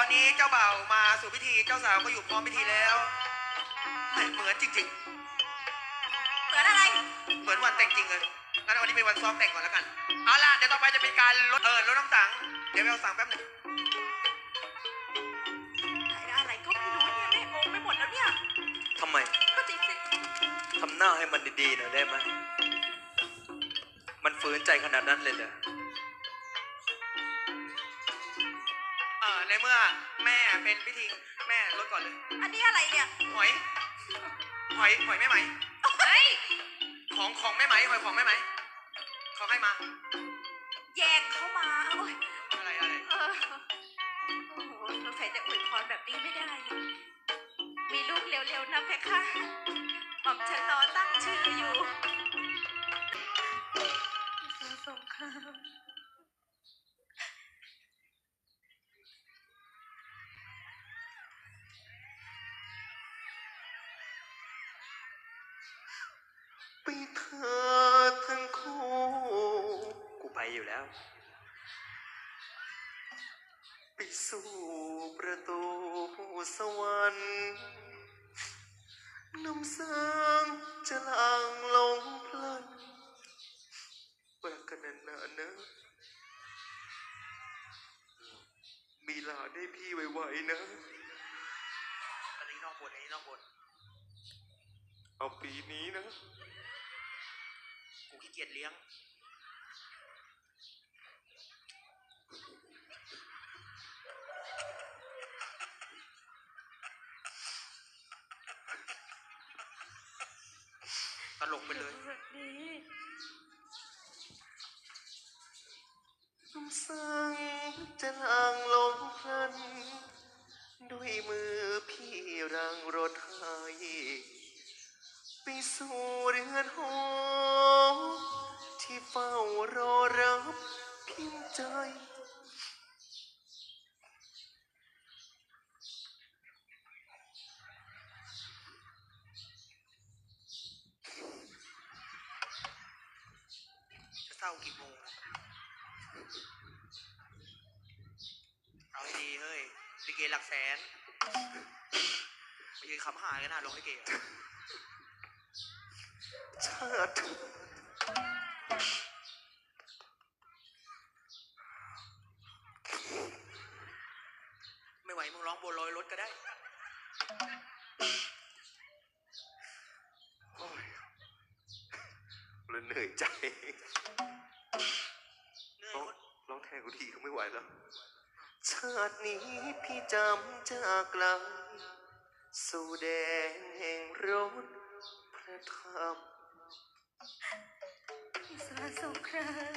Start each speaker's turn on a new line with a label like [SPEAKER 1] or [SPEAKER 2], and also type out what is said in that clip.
[SPEAKER 1] อนนี้เจ้าบ่าวมาสู่พิธีเจ้าสาวก็อยู่พร้อมพิธีแล้วเหมือนจริง
[SPEAKER 2] เหมือนอะไร
[SPEAKER 1] ๆเหมือนวันแต่งจริงเลยงั้นวันนี้เป็นวันซ้อมแต่งก่อนแล้วกันเอาล่ะเดี๋ยวต่อไปจะเป็นการลดน้ำสังเดี๋ยวไปเอาสังแป๊บหนึง
[SPEAKER 2] อะไรก็ไม่รู้เนี่ยแม่งงไปหมดแล้วเนี่ย
[SPEAKER 3] ทำไม
[SPEAKER 2] ก็จริงสิ
[SPEAKER 3] ทำหน้าให้มันดีๆหน่อยได้ไหมมันฝืนใจขนาดนั้นเลยเหรอ
[SPEAKER 1] ในเมื่อแม่เป็นพิธีแม่ลดก่อนเลย
[SPEAKER 2] อันนี้อะไรเนี่ย
[SPEAKER 1] หอยแม่ไหม
[SPEAKER 2] เฮ้ย
[SPEAKER 1] ของแม่ไหมหอยของแม่ไหมเขาให้มา
[SPEAKER 2] แยกเข้ามาโอ้ย
[SPEAKER 1] อะไร
[SPEAKER 2] โอ้โหเราใส่แต่อวยพรแบบนี้ไม่ได้มีลูกเร็วๆนะเพคะหม่อมฉันรอตั้งชื่ออยู่สงคราม
[SPEAKER 3] ไปเธอทั้งคู่กูไปอยู่แล้วไปสู่ประตูสวรรค์น้ำสางจะลางลงพลันรักกันนานๆนะมีหลานให้พี่ไวๆนะ
[SPEAKER 1] อันนี้นอกบท
[SPEAKER 3] เอาปีนี้นะ
[SPEAKER 1] กูขี้เกียจเลี้ยงตลกไปเลย
[SPEAKER 3] น้ำสังจะลางลงพลันด้วยมือพี่รังรถให้ไปสู่เรือนหอที่เฝ้ารอรับพิมพ์ใจ
[SPEAKER 1] จะเศร้ากี่โมงเอาให้ดีเฮ้ยลิเกหลักแสนไปยืนคำหายกันนะลงลิเก
[SPEAKER 3] ชาติ
[SPEAKER 1] ไม่ไหวมึงร้องบัวลอยรถก็ได้
[SPEAKER 3] เหนื่อยใจร้องแทนกูทีก็ไม่ไหวแล้วชาตินี้พี่จำจากไกลสู่แดนแห่งรถพระธรรม
[SPEAKER 2] สาสงคราม